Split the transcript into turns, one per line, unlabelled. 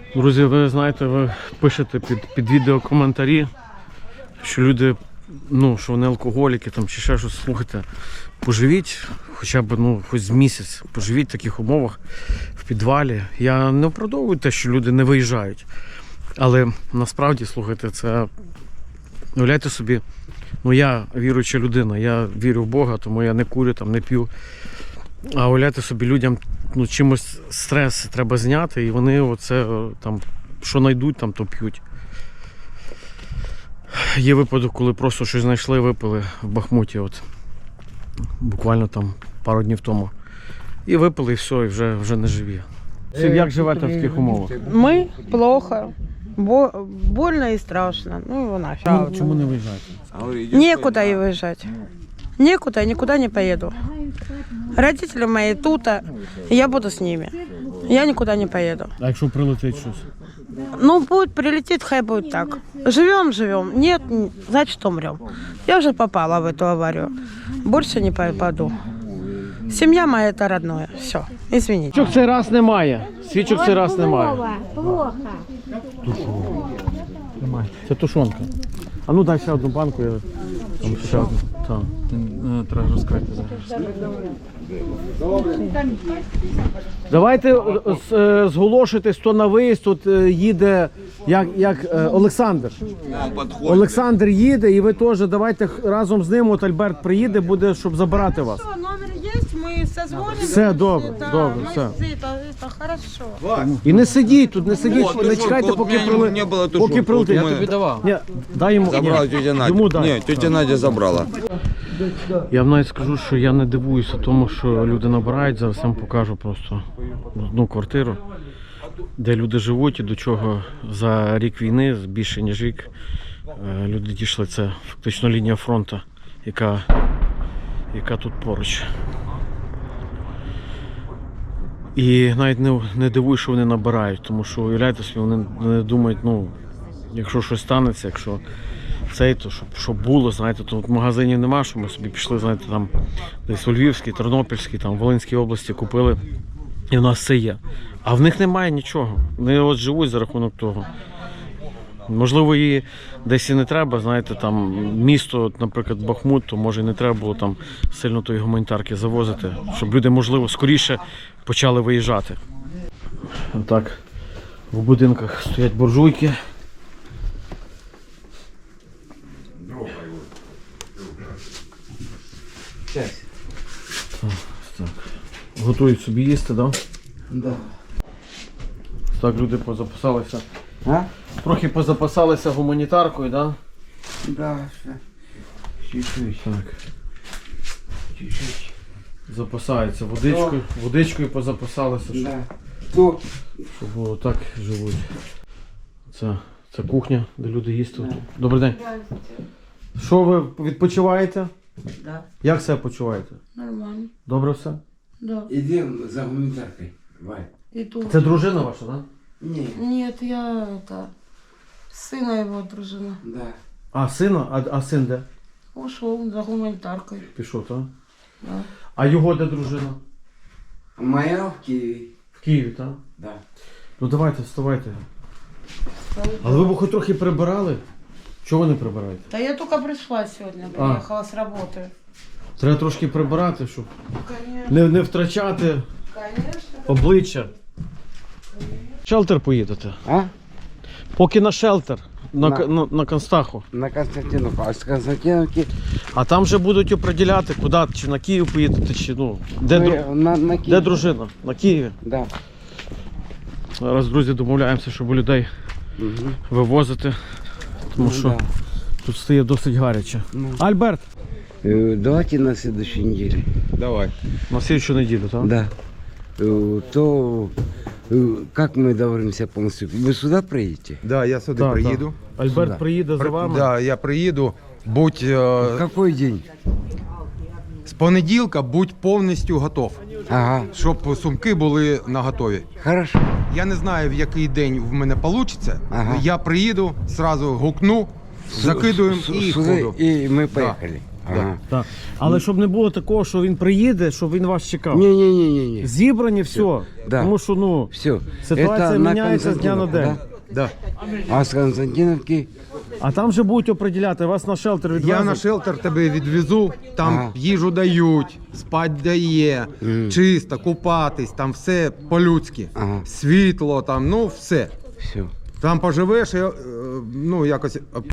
Друзі, ви знаєте, ви пишете під відео коментарі, що люди, що вони алкоголіки там, чи ще щось. Слухайте, поживіть хоча б хоч з місяць, поживіть в таких умовах в підвалі. Я не оправдовую те, що люди не виїжджають. Але насправді, слухайте, це, уявляйте собі, я віруюча людина, я вірю в Бога, тому я не курю, там, не п'ю. А уявляйте собі, людям чимось стрес треба зняти, і вони оце там, що знайдуть, там, то п'ють. Є випадок, коли просто щось знайшли, випили в Бахмуті, буквально там пару днів тому. І випили, і все, і вже не живі. Як живете в таких умовах?
Мы плохо, больно и страшно. Ну его нафиг.
Чому не виїжджаєте?
Некуда и выезжать. Некуда, никуда не поеду. Родители мои тут, я буду с ними. Я никуда не поеду.
А якщо прилетить щось?
Будет прилетит, хай будет так. Живем. Нет, значит умрем. Я уже попала в эту аварию. Больше не попаду. Семья моя это родное. Все, извините.
Свічок цей раз немає. Свічок цей раз немає.
Плохо.
Це тушонка. А ну дай ще одну банку, я там ще одну. Так. Треба розкрити зараз. Давайте зголошуйтесь, хто на виїзд, тут їде як Олександр. Олександр їде, і ви теж давайте разом з ним, Альберт приїде, буде, щоб забирати вас.
Номер есть, мы созвонимся.
Все, добре, все.
Это хорошо.
І не сидіть тут, не сидіть, не чекайте, поки прилетить.
Я тобі давав.
Ні, дай йому.
Забрала тетя Надя.
Йому дай.
Ні, тетя Надя забрала.
Я вам навіть скажу, що я не дивуюся тому, що люди набирають. Зараз я вам покажу просто одну квартиру, де люди живуть і до чого за рік війни, більше ніж рік, люди дійшли. Це фактично лінія фронту, яка тут поруч. І навіть не дивую, що вони набирають, тому що, уявляєте собі, вони не думають, якщо щось станеться, якщо цей, то щоб було, знаєте, то магазинів нема, що ми собі пішли, знаєте, там десь у Львівській, Тернопільській, там Волинській області купили, і в нас все є. А в них немає нічого. Вони живуть за рахунок того. Можливо, її десь і не треба, знаєте, там місто, наприклад, Бахмут, то може і не треба було там сильно тої гуманітарки завозити, щоб люди, можливо, скоріше почали виїжджати. Отак в будинках стоять буржуйки. Так. Готують собі їсти, так?
Да.
Так, люди позаписалися.
А?
Трохи позапасалися гуманітаркою, так?
Да, все. Чуть-чуть.
Так.
Чуть-чуть.
Запасаються водичкою позапасалися, щоб,
Да. То.
щоб було так живуть. Це кухня, де люди їсти. Добрий день. Що ви відпочиваєте?
Да,
Як себе почуваєте?
нормально.
Добре все?
Да.
Идем за гуманитаркой, Валь.
И тут.
Це дружина ваша, так?
Не,
Нет, я сына его дружина.
да.
А сина? А син де?
Ушел за гуманитаркой.
Пішов, так?
Да.
А його де дружина?
Моя в Киеве.
В Києві, так?
Да.
Ну давайте, вставайте. Але ви б хоч трохи прибирали? Чого ви не прибираєте?
Да я только пришла сегодня, приехала с работы.
Треба трошки прибирати, щоб
Конечно.
не втрачати
Конечно.
обличчя. Шелтер поїдете.
А?
Поки на шелтер, на Констаху.
На Константиновку. А с Константиновки
А там вже будуть определяти, куди, чи на Київ поїдете, чи де,
на
де
Киев.
дружина? На Києві.
Да.
Зараз, друзі, домовляємося, щоб людей
Угу.
вивозити, тому що
Да.
тут стає досить гаряче.
Ну.
Альберт,
Давайте на следующей неделе.
Давай.
на слідчу неділю, так?
Да. То как мы договоримся полностью? Вы сюда приедете?
Да, я сюди
Так,
приїду.
Альберт
Сюди.
приїде за вами.
Да, я приїду. Будь
В какой день?
з понеділка будь повністю готов,
Ага.
щоб сумки були наготові.
Хорошо.
Я не знаю, в який день в мене вийде.
Ага.
Я приїду, зразу гукну, закидуємо і
Сюда,
ходу.
и мы поехали. Ага.
Так. Але щоб не було такого, що він приїде, щоб він вас чекав.
Не-не-не-не.
Зібрані все.
Да.
Тому що ну,
Все.
ситуація міняється з дня на день.
Да.
А с Константиновки?
А там вже будуть определяти, вас на шелтер відвезуть.
Я на шелтер тебе відвезу, там
Ага.
їжу дають, спать дає, чисто, купатись, там все по-людськи.
Ага.
Світло, там, ну все.
Все.
Там поживеш, і, ну якось